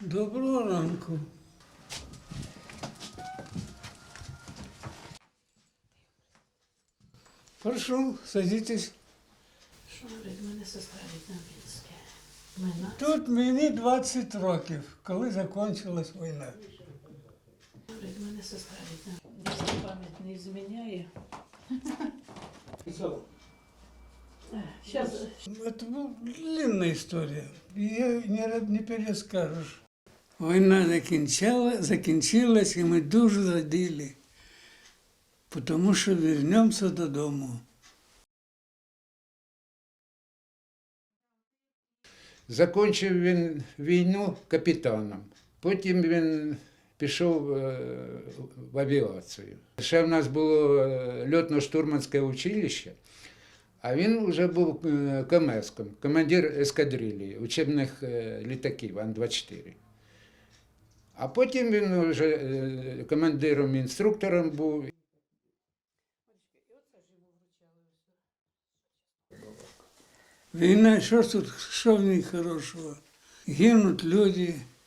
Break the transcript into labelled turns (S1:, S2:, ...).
S1: Доброго ранку. Прошу, садитесь.
S2: Що говорить, мене сестра рідна Мінське. Мене.
S1: Тут мені 20 років, коли закінчилась війна.
S2: Говорить, мене сестра рідна. Якщо пам'ять не зміняє. Сейчас.
S1: Это была длинная история. Ее не перескажешь. Війна закінчилась, і ми дуже раділи, тому що повернемося додому.
S3: Закінчив він війну капітаном, потім він пішов в авіацію. Ще в нас було льотно-штурманське училище, а він вже був КМС-ком, командир ескадрилії, учебних літаків Ан-24. А потім він вже командиром-інструктором був.
S1: Війна, що в ній хорошого? Гинуть люди,